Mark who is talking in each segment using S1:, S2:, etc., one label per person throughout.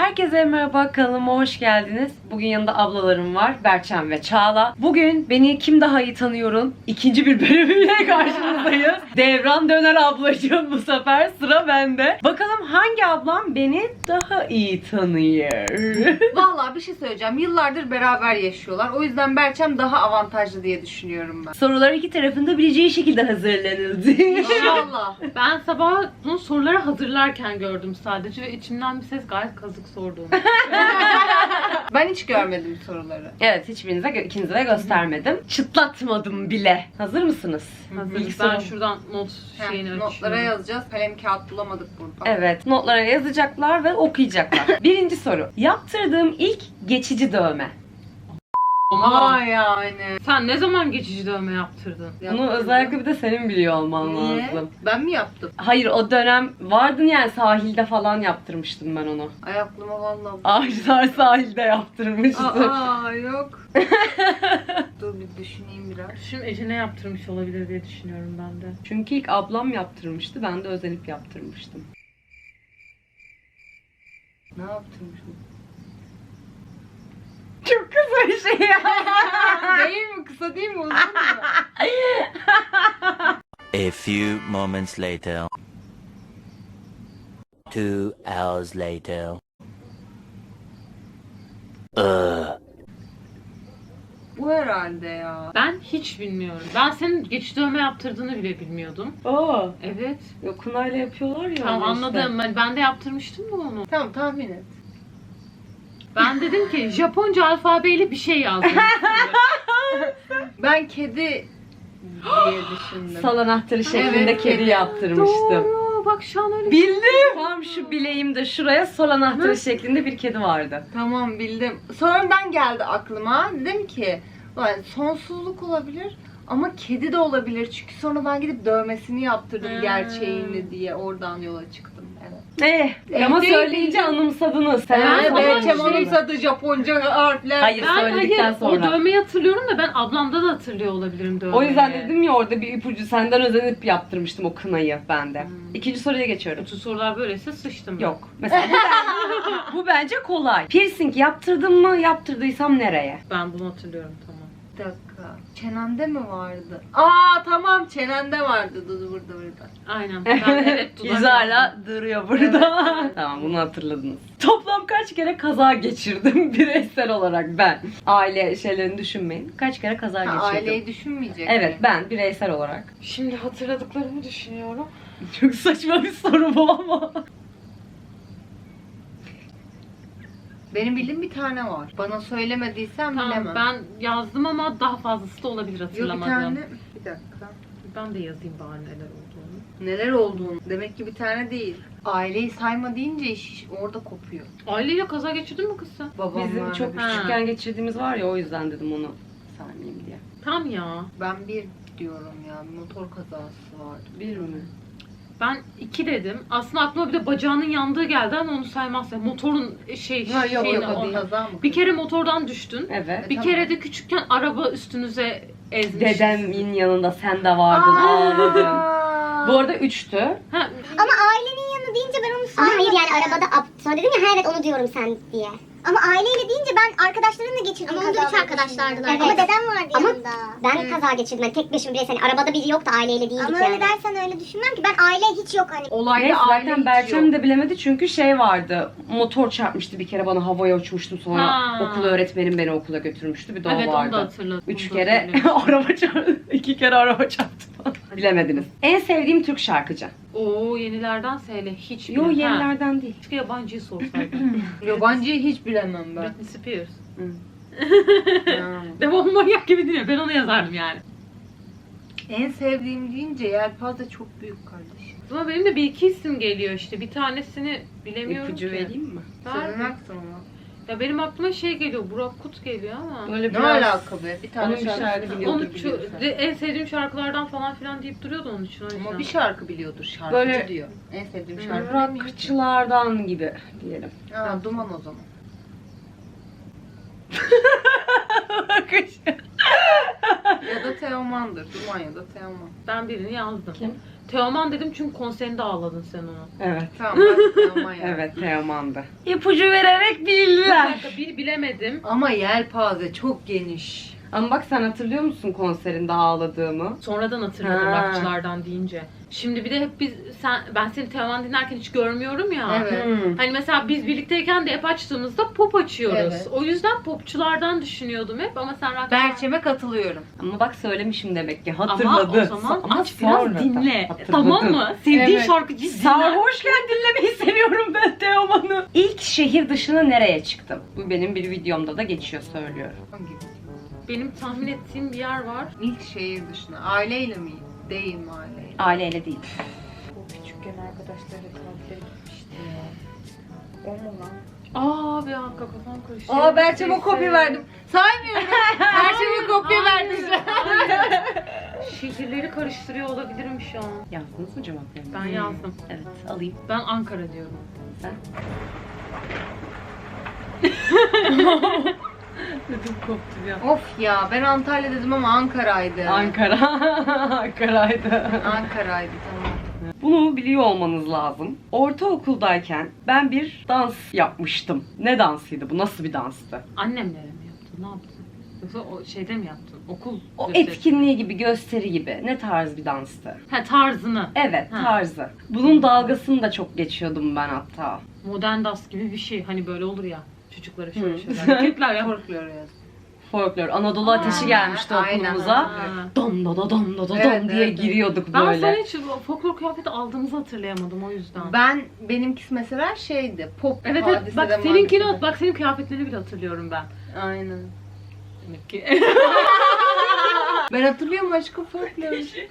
S1: Herkese merhaba, kanalıma hoş geldiniz. Bugün yanında ablalarım var, Berçem ve Çağla. Bugün Beni Kim Daha İyi Tanıyor'un ikinci bir bölümüyle karşınızdayız. Devran döner ablacığım, bu sefer sıra bende. Bakalım hangi ablam beni daha iyi tanıyor?
S2: Vallahi bir şey söyleyeceğim. Yıllardır beraber yaşıyorlar. O yüzden Berçem daha avantajlı diye düşünüyorum ben.
S1: Sorular iki tarafında bileceği şekilde hazırlanıldı.
S2: İnşallah.
S3: Ben sabah bunu soruları hazırlarken gördüm sadece ve içimden bir ses gayet kazık sorduğunu.
S2: Ben hiç görmedim soruları.
S1: Evet, ikinize de göstermedim. Çıtlatmadım bile. Hazır mısınız?
S3: Hazır.
S1: İlk
S3: Ben
S1: soru.
S3: şuradan not şeyini
S2: Notlara
S3: açıyorum.
S2: yazacağız. Kalem kağıt bulamadık burada.
S1: Evet, notlara yazacaklar ve okuyacaklar. Birinci soru. Yaptırdığım ilk geçici dövme.
S3: Ama
S2: yani.
S3: sen ne zaman geçici dövme yaptırdın?
S1: Bunu özellikle bir de senin biliyor olman
S2: Niye?
S1: lazım.
S2: Ben mi yaptım?
S1: Hayır, o dönem vardın yani, sahilde falan yaptırmıştım ben onu.
S2: Ay aklıma vallahi.
S1: Ağaçlar sahilde yaptırmıştım.
S2: Aa yok. Dur bir düşüneyim biraz.
S3: Şimdi Ece ne yaptırmış olabilir diye düşünüyorum ben de.
S1: Çünkü ilk ablam yaptırmıştı, ben de özenip yaptırmıştım.
S2: Ne yaptırmışım?
S1: Çok kısa bir şey ya.
S2: Değil mi? Kısa değil mi? Uzun mu?
S4: A few moments later. 2 hours later.
S2: Bu herhalde ya.
S3: Ben hiç bilmiyorum. Ben senin geçici dövme yaptırdığını bile bilmiyordum.
S1: Oo,
S3: Evet.
S1: yok, kunayla yapıyorlar ya.
S3: Tamam
S1: öyle işte.
S3: anladım. Ben de yaptırmıştım da onu.
S2: Tamam tahmin et.
S3: Ben dedim ki Japonca alfabeyle bir şey yazdım.
S2: Ben kedi diye düşündüm.
S1: Sal anahtarı şeklinde
S2: Evet,
S1: kedi
S2: kedi.
S1: yaptırmıştım.
S3: Doğru. Bak şu an öyle
S1: Bildim. Tam şu bileğimde şuraya sol anahtarı şeklinde bir kedi vardı.
S2: Tamam bildim. Sonradan geldi aklıma. Dedim ki "Ulan sonsuzluk olabilir ama kedi de olabilir. Çünkü sonra ben gidip dövmesini yaptırdım gerçeğini diye. Oradan yola çıktım. Evet.
S1: Ama
S2: Değil,
S1: söyleyince
S2: değil.
S1: anımsadınız. Sen
S3: Ben
S2: Yani
S3: ama
S2: Berçem
S3: şey-
S2: anımsadı Japonca harfler.
S1: Hayır. Söyledikten
S3: o
S1: sonra.
S3: dövmeyi hatırlıyorum da ben ablamda da hatırlıyor olabilirim dövmeyi.
S1: O yüzden dedim ya, orada bir ipucu, senden özenip yaptırmıştım o kınayı ben de. İkinci soruya geçiyorum.
S3: Bütün sorular böyleyse sıçtım.
S1: Yok. Mesela bu bence kolay. Piercing yaptırdım mı? Yaptırdıysam nereye?
S3: Ben bunu hatırlıyorum tamam.
S2: Bir dakika. Çenende mi vardı? Aa tamam çenende vardı. Dur burada.
S3: Aynen. Ben evet dudak
S1: Yüz hala duruyor burada. Tamam, bunu hatırladınız. Toplam kaç kere kaza geçirdim bireysel olarak ben? Aile şeylerini düşünmeyin. Kaç kere kaza geçirdim?
S2: Aileyi düşünmeyecek.
S1: Evet, ben bireysel olarak.
S3: Şimdi hatırladıklarımı düşünüyorum.
S1: Çok saçma bir soru bu ama.
S2: Benim bildiğim bir tane var. Bana söylemediysen
S3: Tamam
S2: bilemem.
S3: ben yazdım ama daha fazlası da olabilir
S2: Yok bir
S3: hatırlamadım.
S2: tane. Bir dakika.
S3: Ben de yazayım bari neler olduğunu.
S2: Neler olduğunu. Demek ki bir tane değil. Aileyi sayma deyince iş orada kopuyor.
S3: Aileyle kaza geçirdin mi kız sen?
S2: Babam
S1: Bizim
S2: vardı.
S1: çok
S3: Ha.
S1: küçükken geçirdiğimiz var ya, o yüzden dedim onu saymayayım diye.
S3: Tam ya.
S2: Ben bir diyorum ya. Motor kazası vardı.
S1: Bir mi?
S3: Ben 2 dedim. Aslında aklıma bir de bacağının yandığı geldi ama onu saymazsa. Motorun
S1: Ha, yok,
S3: şeyine,
S1: yok, o değil.
S2: Kaza mı?
S3: Bir kere motordan düştün.
S1: Evet.
S3: Bir
S2: Tamam.
S3: kere de küçükken araba üstünüze ezmiş.
S1: Dedemin yanında sen de vardın, ağladın. Bu arada 3'tü.
S3: Ha,
S5: Ama ailenin yanı deyince ben onu saymadım. Hayır yani arabada sonra dedim ya, evet onu diyorum sen diye. Ama aileyle deyince ben arkadaşlarımla geçirdim. Ama onda 3 arkadaşlardılar. Evet. Ama dedem vardı yanında. Ben kaza geçirdim. Yani tek başıma bireysel. Hani arabada biri yoktu, aileyle değildik ama yani. Ama öyle dersen öyle düşünmem ki. Ben aile hiç yok hani.
S2: Olayda
S1: Neyse,
S2: aile
S1: zaten
S2: hiç
S1: Berçem
S2: yok.
S1: de bilemedi çünkü şey vardı. Motor çarpmıştı bir kere, bana havaya uçmuştum, sonra
S3: Ha.
S1: okul öğretmenim beni okula götürmüştü. Bir de o
S3: evet onu da
S1: vardı.
S3: hatırladım.
S1: 3
S3: Onu da
S1: kere
S3: hatırlıyorum.
S1: araba çarptı. 2 kere araba çarptı falan. Bilemediniz. En sevdiğim Türk şarkıcı.
S3: Oo yenilerden söyle hiç
S1: Yo,
S3: bilmem. Ha,
S1: yenilerden değil.
S3: keşke yabancıyı sorsaydın.
S2: Yabancıyı hiç bilemem ben.
S3: Britney Spears.
S2: Ha.
S3: Devam manyak gibi değil mi? Ben onu yazardım yani.
S2: En sevdiğim deyince yelpaze çok büyük kardeşim.
S3: Ama benim de bir iki isim geliyor işte. Bir tanesini bilemiyorum
S1: İpucu
S3: ki.
S1: vereyim mi?
S2: Söylemezsin ama.
S3: Ya benim aklıma şey geliyor. Burak Kut geliyor ama.
S1: Böyle
S2: Ne
S1: biraz...
S2: alaka be? Bir tane
S1: Onun bir şarkı
S2: şarkı
S1: biliyordur,
S3: Onu
S1: biliyorsun.
S3: en sevdiğim şarkılardan falan filan deyip duruyordu onun için o yüzden.
S2: Ama bir şarkı biliyordur, şarkıcı
S1: Böyle-
S2: diyor. En sevdiğim şarkı bilmiyor ki.
S1: Rockçılardan gibi diyelim.
S2: Ha, Duman o zaman. Ya da Teoman'dır. Duman ya da Teoman.
S3: Ben birini yazdım.
S1: Kim?
S3: Teoman dedim çünkü konserinde ağladın sen onu.
S1: Evet.
S2: Tamam bak ama ya.
S1: Evet, Teoman'dı. İpucu vererek bildiler.
S3: Bir bilemedim.
S2: Ama yelpaze çok geniş.
S1: Ama bak sen hatırlıyor musun konserinde ağladığımı?
S3: Sonradan hatırladım
S1: Ha.
S3: rockçılardan deyince. Şimdi bir de hep ben seni Teoman dinlerken hiç görmüyorum ya.
S2: Evet.
S3: Hani mesela biz birlikteyken de hep açtığımızda pop açıyoruz.
S2: Evet.
S3: O yüzden popçulardan düşünüyordum hep ama sen rockçılar...
S2: Berçem'e katılıyorum.
S1: Ama bak söylemişim demek ki
S3: Ama
S1: hatırladı.
S3: o zaman
S1: Ama
S3: aç biraz
S1: sonradan
S3: dinle.
S1: hatırladı.
S3: Tamam mı? Sevdiğin
S2: Evet.
S3: şarkıcı dinle.
S1: Sarhoşken dinlemeyi seviyorum ben Teoman'ı. İlk şehir dışına nereye çıktım? Bu benim bir videomda da geçiyor söylüyorum.
S2: Hangi?
S3: Benim tahmin ettiğim bir yer var.
S2: İlk şehir dışına. Aileyle mi? Değil mi aileyle?
S1: Aileyle değil.
S2: O küçükken arkadaşlarla tatile gitmişti ya. O mu lan?
S3: Aa bir dakika kafam karıştı.
S2: Aa Berçem'e kopya verdim. Saymıyorum. Berçem'e kopya
S3: Hayır,
S2: verdim.
S3: hayır. Şehirleri karıştırıyor olabilirim şu an.
S1: Yazdınız mı cevaplarını?
S3: Ben yazdım.
S1: Evet alayım.
S3: Ben Ankara diyorum.
S1: Sen? Ödüm koptu ya.
S2: Of ya ben Antalya dedim ama Ankara'ydı.
S1: Ankara. Ankara'ydı.
S2: Ankara'ydı tamam.
S1: Bunu biliyor olmanız lazım. Ortaokuldayken ben bir dans yapmıştım. Ne dansıydı bu? Nasıl bir danstı?
S3: Annemlere mi yaptın? Ne yaptın? Yoksa o şeyde mi yaptın? Okul
S1: O
S3: gösterisi.
S1: etkinliği gibi, gösteri gibi. Ne tarz bir danstı?
S3: Ha tarzını.
S1: Evet,
S3: Ha.
S1: tarzı. Bunun dalgasını da çok geçiyordum ben hatta.
S3: Modern dans gibi bir şey. Hani böyle olur ya. Çocuklara şöyle
S1: Hı.
S3: şeyler. Hareketler ya.
S2: Folklor yaz.
S1: Folklor. Anadolu Ateşi
S2: Aa,
S1: gelmişti
S2: aynen,
S1: okulumuza.
S3: Ha.
S1: Dom da da dom da da
S2: Evet,
S1: dom diye
S2: evet.
S1: giriyorduk
S3: Ben
S1: böyle.
S3: sana hiç folklor kıyafeti aldığımızı hatırlayamadım o yüzden.
S2: Benimkisi mesela şeydi. Pop
S3: Evet evet
S2: hadisede,
S3: bak seninkini
S2: madisede.
S3: bak senin kıyafetlerini bile hatırlıyorum ben.
S2: Aynen.
S3: Demek ki.
S2: Ben hatırlıyorum aşkım folklor.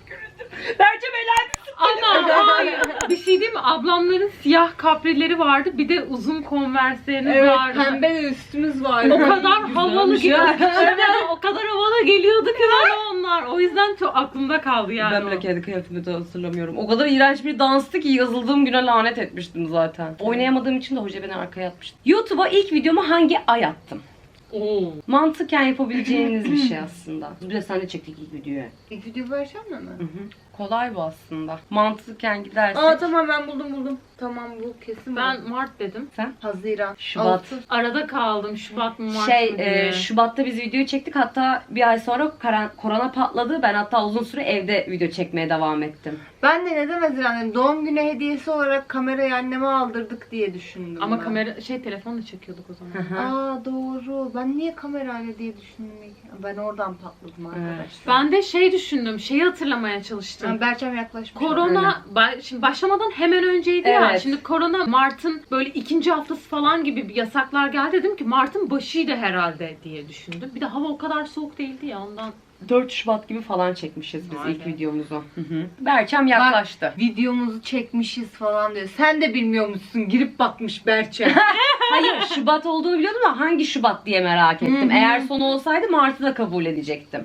S1: Berce Belen.
S3: Ama hayır. Bir şey değil mi? Ablamların siyah kaprileri vardı. Bir de uzun konversleriniz
S2: Evet
S3: vardı.
S2: pembe de üstümüz vardı.
S3: O kadar havalı
S1: Güzelmiş ya.
S3: geliyordu. O kadar havalı geliyordu ki bana onlar. O yüzden çok aklımda kaldı yani.
S1: Ben bile kendi kıyafetimi de hatırlamıyorum. O kadar iğrenç bir danstı ki yazıldığım güne lanet etmiştim zaten. Oynayamadığım için de hoca beni arkaya atmıştı. YouTube'a ilk videomu hangi ay attım?
S3: Oo.
S1: Mantıken yapabileceğiniz bir şey aslında. Bir de sen de çektik ilk videoyu.
S2: İlk video vereceğim mi?
S1: Hı hı. Kolay bu aslında. Mantıken gidersek.
S2: Aa tamam ben buldum. Tamam bu kesin
S3: Ben Mart dedim.
S2: Haziran.
S1: Şubat.
S2: Ağustos.
S3: Arada kaldım. Şubat mı Mart mı diye.
S1: Şubat'ta biz videoyu çektik. Hatta bir ay sonra korona patladı. Ben hatta uzun süre evde video çekmeye devam ettim.
S2: Ben de neden Haziran dedim. Doğum günü hediyesi olarak kamerayı anneme aldırdık diye düşündüm.
S3: Ama
S2: ben.
S3: kamera telefonla çekiyorduk o zaman.
S2: Aa doğru. Ben niye kamerayla diye düşündüm. Ben oradan patladım arkadaşlar.
S3: Ben de şey düşündüm. Şeyi hatırlamaya çalıştım.
S2: Ben Berçem yaklaşmış.
S3: Korona şimdi başlamadan hemen önceydi ya.
S1: Evet.
S3: Şimdi korona Mart'ın böyle ikinci haftası falan gibi bir yasaklar geldi. Dedim ki Mart'ın başıydı herhalde diye düşündüm. Bir de hava o kadar soğuk değildi ya ondan.
S1: 4 Şubat gibi falan çekmişiz biz
S3: Vay
S1: ilk
S3: be.
S1: videomuzu. Hı hı. Berçem yaklaştı.
S2: Videomuzu çekmişiz falan diyor. Sen de bilmiyormuşsun. Girip bakmış Berçem.
S1: Hayır, Şubat olduğunu biliyordum ama hangi Şubat diye merak ettim. Eğer sonu olsaydı Mart'ı da kabul edecektim.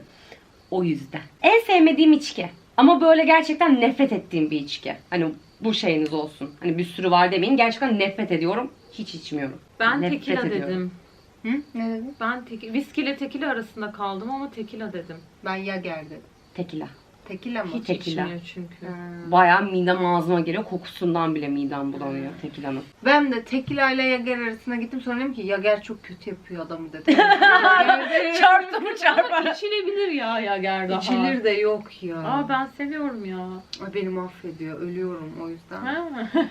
S1: O yüzden. En sevmediğim içki. Ama böyle gerçekten nefret ettiğim bir içki. Hani bu şeyiniz olsun. Hani bir sürü var demeyin. Gerçekten nefret ediyorum. Hiç içmiyorum.
S3: Ben
S1: Nefret
S3: tekila
S1: ediyorum.
S3: dedim.
S2: Hı? Ne dedin?
S3: Ben viski ile tekila arasında kaldım ama tekila dedim.
S2: Ben Yager dedim.
S1: Tekila.
S2: Tekila mı?
S3: Hiç
S1: Tekila.
S3: içmiyor çünkü.
S1: Bayağı midem ağzıma geliyor. Kokusundan bile midem bulanıyor tekilanın.
S2: Ben de Tekila ile Yager arasına gittim. Sonra dedim ki Yager çok kötü yapıyor adamı dedim.
S1: Çarptı mı
S3: Ama içilebilir ya Gerda.
S2: İçilir de yok ya.
S3: Aa ben seviyorum ya.
S2: Ay, beni mahvediyor. Ölüyorum o yüzden.
S3: Ha.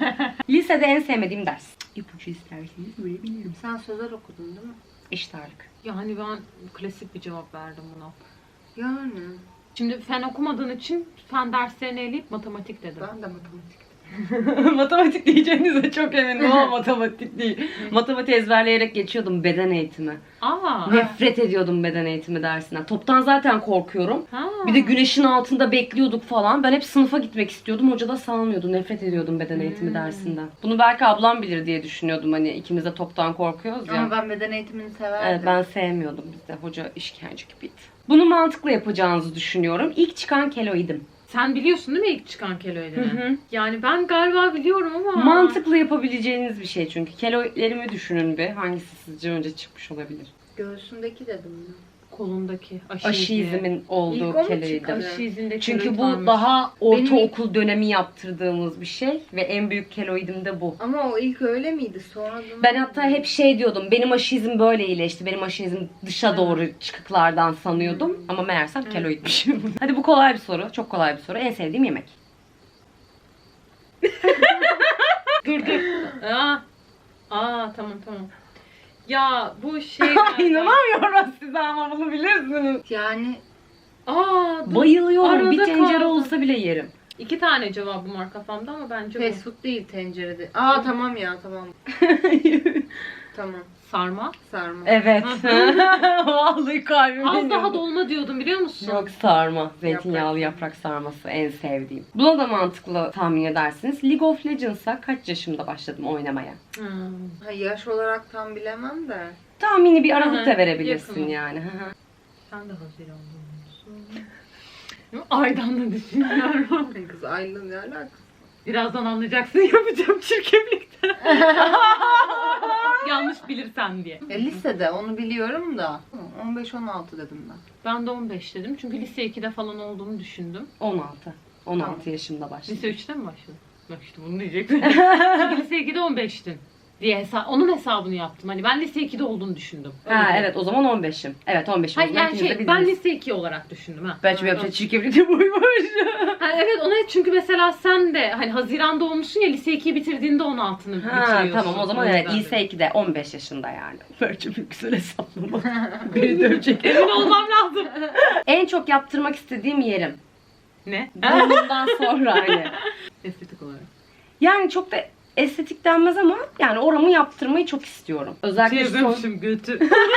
S1: Lisede en sevmediğim ders. İpucu isterseniz verebilirim.
S2: Sen sözel okudun değil mi?
S1: Eşit ağırlık.
S3: Yani ben klasik bir cevap verdim buna.
S2: Yani.
S3: Şimdi fen okumadığın için fen derslerini eleyip matematik dedim.
S2: Ben de matematik.
S1: Matematik diyeceğinize çok eminim ama matematik değil. Matematik ezberleyerek geçiyordum beden eğitimi.
S3: Aa.
S1: Nefret ediyordum beden eğitimi dersinden. Toptan zaten korkuyorum.
S3: Ha.
S1: Bir de güneşin altında bekliyorduk falan. Ben hep sınıfa gitmek istiyordum. Hoca da salmıyordu. Nefret ediyordum beden eğitimi dersinden. Bunu belki ablam bilir diye düşünüyordum. Hani ikimiz de toptan korkuyoruz ya.
S2: Ama ben beden eğitimini severdim.
S1: Evet, ben sevmiyordum bizde. Hoca işkence gibiydi. Bunu mantıklı yapacağınızı düşünüyorum. İlk çıkan keloidim.
S3: Sen biliyorsun değil mi ilk çıkan keloidini?
S1: Hı hı.
S3: Yani ben galiba biliyorum ama.
S1: Mantıklı yapabileceğiniz bir şey çünkü. Keloidlerimi düşünün bir. Hangisi sizce önce çıkmış olabilir?
S2: Göğsündeki dedim
S3: kolundaki
S1: Aşı izimin olduğu
S2: İlk o mu
S1: keloidim.
S2: çıktı?
S3: Aşı izinde
S1: Çünkü
S3: keloid
S1: bu
S3: varmış.
S1: daha ortaokul dönemi yaptırdığımız bir şey ve en büyük keloidim de bu.
S2: Ama o ilk öyle miydi? Sonra
S1: Ben hatta hep şey diyordum, benim aşı izim böyle iyileşti, benim aşı izim dışa doğru çıkıklardan sanıyordum. Ama meğersem keloidmişim. Hadi bu kolay bir soru, çok kolay bir soru. En sevdiğim yemek.
S3: Dur. Tamam. Ya bu şey...
S1: İnanamıyorum size ama bunu bilirsiniz.
S2: Yani
S3: Dur.
S1: Bayılıyorum, bir
S3: Arada
S1: tencere
S3: kaldı.
S1: olsa bile yerim.
S3: 2 tane cevabım var kafamda ama bence bu.
S2: fast food değil tencerede. Tamam ya tamam. Tamam.
S3: Sarma.
S2: Sarma.
S1: Evet. Vallahi kalbim
S3: Az
S1: yanıyor.
S3: daha dolma diyordum biliyor musun?
S1: Yok, sarma. Zeytinyağlı yaprak sarması en sevdiğim. Buna da mantıklı tahmin edersiniz. League of Legends'a kaç yaşımda başladım oynamaya?
S2: Yaş olarak tam bilemem de.
S1: Tahmini bir
S3: Hı
S1: aralık
S3: hı,
S1: da verebilirsin
S3: yakın.
S1: yani.
S3: Sen de Haziran'da olmuşsun. Aydan da düşünüyorum.
S2: Kız Ayla ne alakası?
S3: Birazdan anlayacaksın yapacağım çirkeflikten. Yanlış bilirsen diye.
S2: Lisede onu biliyorum da. 15-16 dedim ben.
S3: Ben de 15 dedim çünkü lise 2'de falan olduğumu düşündüm.
S1: 16. 16
S2: Tamam.
S1: yaşımda başladım.
S3: Lise 3'te mi başladın? Bak işte bunu diyecektim. Çünkü lise 2'de 15'tin diye onun hesabını yaptım. Hani ben lise 2'de olduğunu düşündüm. Öyle
S1: Ha
S3: diyeyim.
S1: evet, o zaman 15'im. Evet 15'im.
S3: Hayır yani
S1: İkiniz de
S3: şey ben
S1: bildiniz.
S3: lise 2 olarak düşündüm ha.
S1: Belki yapacak çirkeflikte buymuş.
S3: Ha, evet ona çünkü mesela sen de hani Haziran'da olmuşsun ya lise 2'yi bitirdiğinde 16'nı
S1: Ha
S3: bitiriyorsun.
S1: tamam, o zaman
S3: yüzden
S1: evet
S3: dedim.
S1: lise 2'de 15 yaşında yani. Belki bir güzel hesaplama. Beni dövecek.
S3: Emin olmam lazım.
S1: En çok yaptırmak istediğim yerim.
S3: Ne?
S1: Burnumdan sonra hani.
S3: Estetik olarak.
S1: Yani çok da estetik denmez ama yani oramı yaptırmayı çok istiyorum. Özellikle
S3: götü.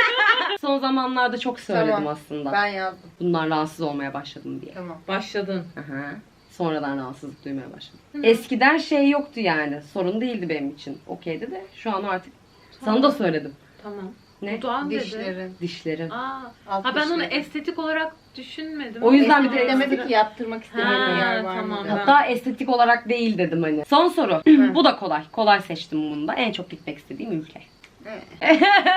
S1: son zamanlarda çok söyledim
S2: Tamam.
S1: aslında.
S2: Ben yazdım.
S1: Bundan rahatsız olmaya başladım diye.
S2: Tamam.
S3: Başladın.
S1: Aha. Sonradan rahatsızlık duymaya başladım. Eskiden şey yoktu yani. Sorun değildi benim için. Okeydi de şu an artık sana da söyledim.
S3: Tamam.
S1: Ne?
S3: Dudağın dedi.
S2: Dişlerin.
S1: Dişlerim.
S2: Alt
S3: Ha ben onu
S2: dişlerin.
S3: estetik olarak düşünmedim.
S1: O yüzden bir de
S2: Demedi ki yaptırmak istediğin
S3: Ha,
S2: yer var
S3: tamam.
S2: mı?
S1: Hatta estetik olarak değil dedim hani. Son soru. Bu da kolay. Kolay seçtim bunu da. En çok gitmek istediğim ülke.
S2: Evet.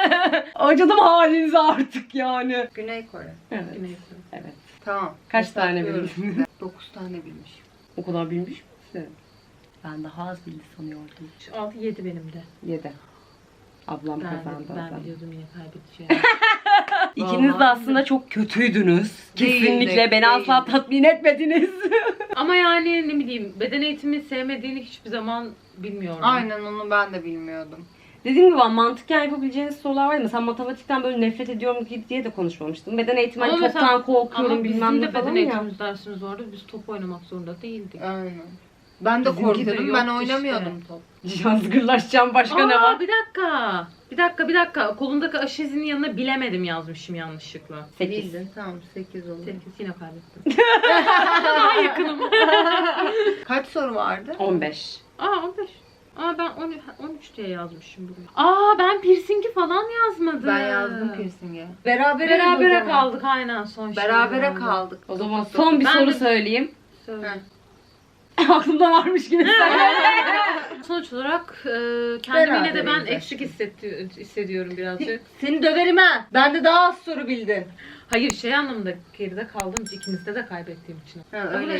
S1: Acıdım halinize artık yani.
S2: Güney Kore.
S1: Evet.
S3: Neyse.
S1: Evet.
S2: Tamam.
S1: Kaç tane
S2: Hesaplıyorum.
S1: bildin?
S2: 9 tane bilmiş.
S1: O kadar bilmiş misin? Ben daha az bildi sanıyordum.
S3: 6-7 benim de.
S1: 7. Ablam
S3: Ben
S1: kazandı. o zaman.
S3: biliyordum yine kaybedeceğim.
S1: İkiniz de
S2: Vallahi
S1: aslında çok kötüydünüz.
S2: Değildik,
S1: Kesinlikle beni asla
S2: değildik.
S1: tatmin etmediniz.
S3: Ama yani ne bileyim beden eğitimi sevmediğini hiçbir zaman bilmiyorum.
S2: Aynen onu ben de bilmiyordum.
S1: Dediğim gibi mantıken yapabileceğiniz sorular var. Mesela matematikten böyle nefret ediyorum diye de konuşmamıştım. Beden eğitimi
S3: Ama
S1: hani
S3: mesela-
S1: çoktan korkuyorum
S3: Ama
S1: bilmem
S3: bizim
S1: ne
S3: de
S1: falan
S3: beden
S1: ya.
S3: eğitimi dersimiz vardı. Biz top oynamak zorunda değildik.
S2: Aynen. Ben de
S3: Bizimki de
S2: korkuyordum. Ben
S3: yoktu
S2: oynamıyordum top.
S1: Yazgırlaşacağım, başka ne var?
S3: Bir dakika. Bir dakika. Kolundaki aşı izinin yanına bilemedim yazmışım yanlışlıkla.
S1: 8.
S2: Bildin. Tamam 8 oldu.
S3: 8 yine kaybettim. Daha yakınım.
S2: Kaç soru vardı?
S1: 15.
S3: 15. Ben 13 diye yazmışım buraya. Ben piercingi falan yazmadım.
S2: Ben yazdım piercing'e. Berabere
S3: Berabere kaldık aynen son şey.
S2: Berabere kaldık.
S1: O zaman son bir
S3: Ben
S1: soru
S3: de-
S1: söyleyeyim.
S3: Söyle.
S1: Aklımda varmış gibi.
S3: Sonuç olarak kendimi yine de ben
S2: Beraberiz
S3: eksik hissediyorum birazcık.
S2: Seni döverim ha. Ben de daha az soru bildin.
S3: Hayır şey anlamında geride kaldım ikinizde de kaybettiğim için.
S2: Ha, öyle.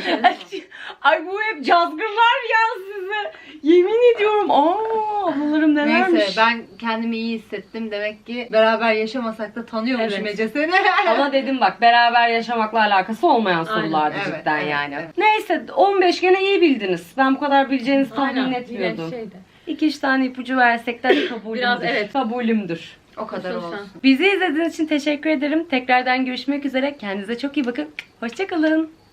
S1: Ay bu hep cazgırlar ya size. Yemin ediyorum. Ablalarım nelermiş.
S2: Neyse ben kendimi iyi hissettim. Demek ki beraber yaşamasak da tanıyormuşum
S3: Evet.
S2: Ece seni.
S1: Ama dedim bak, beraber yaşamakla alakası olmayan sorulardı
S2: evet,
S1: cidden
S2: evet,
S1: yani.
S2: evet.
S1: Neyse 15 gene iyi bildiniz. Ben bu kadar bileceğinizi tahmin
S3: Aynen,
S1: etmiyordum.
S3: yine şeydi.
S1: 2-3 tane ipucu versek de kabulümdür.
S3: Biraz evet.
S1: Kabulümdür.
S2: O kadar
S3: Nasıl
S2: olsun.
S1: Bizi izlediğiniz için teşekkür ederim. Tekrardan görüşmek üzere. Kendinize çok iyi bakın. Hoşça kalın.